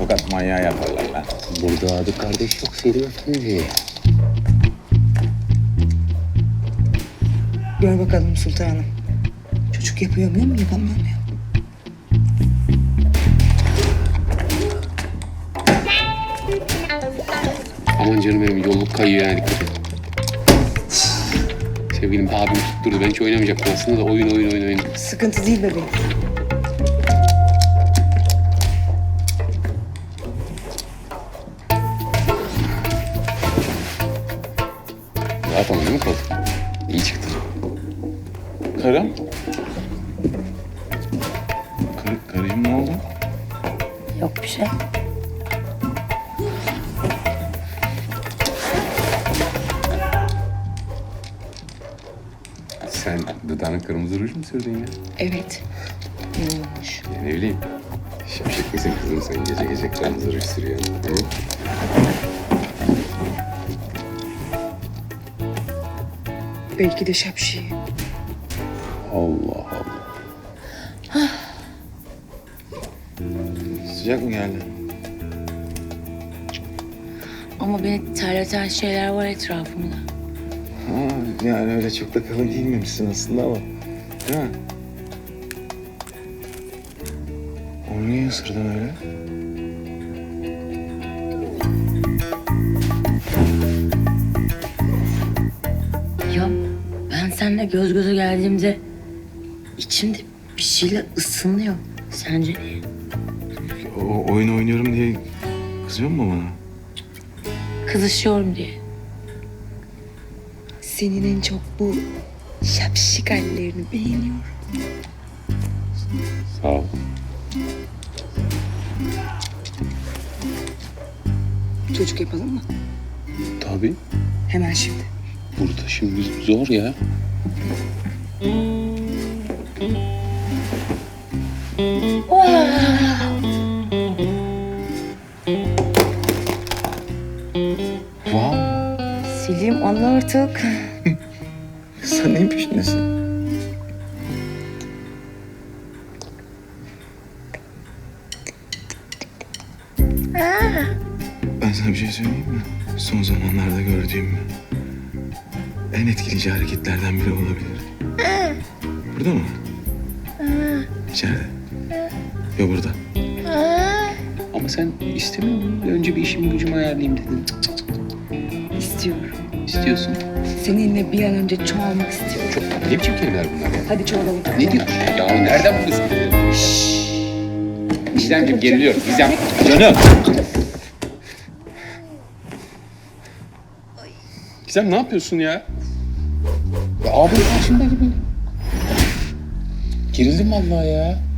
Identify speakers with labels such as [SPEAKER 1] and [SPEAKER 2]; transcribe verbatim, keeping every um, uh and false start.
[SPEAKER 1] tokat manyağı yaparlar lan.
[SPEAKER 2] Burada adı kardeş yok Selim Efendi.
[SPEAKER 3] Gör bakalım sultanım. Çocuk yapıyor muyum, yapamıyor muyum?
[SPEAKER 2] Aman canım benim yolluk kayıyor yani dikkat et. Sevgilim abim tutturdu. Ben hiç oynamayacaktım aslında da oyun oyun oyun oyun.
[SPEAKER 3] Sıkıntı değil bebeğim.
[SPEAKER 2] Rahat ama değil mi kol? İyi çıktı.
[SPEAKER 1] Karım? Kar karıcığım ne oldu?
[SPEAKER 3] Yok bir şey.
[SPEAKER 2] Sen dudağına kırmızı ruj mu sürdün ya?
[SPEAKER 3] Evet. İyi olmuş.
[SPEAKER 2] Ya ne bileyim. Şapşık mısın kızım sen gece gece kırmızı ruj sürüyorsun? Hı?
[SPEAKER 3] Belki de şapşi.
[SPEAKER 2] Allah Allah.
[SPEAKER 1] Sıcak mı geldi?
[SPEAKER 4] Ama beni terleten şeyler var etrafımda.
[SPEAKER 1] Ha, yani öyle çok da kalın giyinmemişsin aslında ama. Değil mi? Onu niye ısırdın öyle?
[SPEAKER 4] Ya ben seninle göz göze geldiğimde içimde bir şeyler ısınıyor. Sence niye?
[SPEAKER 1] O oyun oynuyorum diye kızıyor mu bana?
[SPEAKER 4] Kızışıyorum diye.
[SPEAKER 3] Senin en çok bu şapşik hallerini beğeniyorum.
[SPEAKER 2] Sağ ol.
[SPEAKER 3] Çocuk yapalım mı?
[SPEAKER 2] Tabii.
[SPEAKER 3] Hemen şimdi.
[SPEAKER 2] Burada şimdi zor ya.
[SPEAKER 1] Wow.
[SPEAKER 3] Selim anla artık.
[SPEAKER 1] Sen neyin peşindesin? Ben sana bir şey söyleyeyim mi? Son zamanlarda gördüğüm en etkileyici hareketlerden biri olabilir. Burada mı? İçeride. Yok burada.
[SPEAKER 2] Ama sen istemiyor musun? Önce bir işimi gücümü ayarlayayım dedin. Cık cık cık.
[SPEAKER 3] İstiyorum.
[SPEAKER 2] İstiyorsun.
[SPEAKER 3] Seninle bir an önce çoğalmak istiyorum.
[SPEAKER 2] Çok ne biçim kelimeler bunlar ya?
[SPEAKER 3] Hadi çoğalalım.
[SPEAKER 2] Ne diyorsun? Ya nereden buldun? Gizemciğim geriliyorum. Gizem.
[SPEAKER 1] Canım.
[SPEAKER 2] Gizem ne yapıyorsun ya? Ya abim karşımda gibi. Gerildim vallahi ya.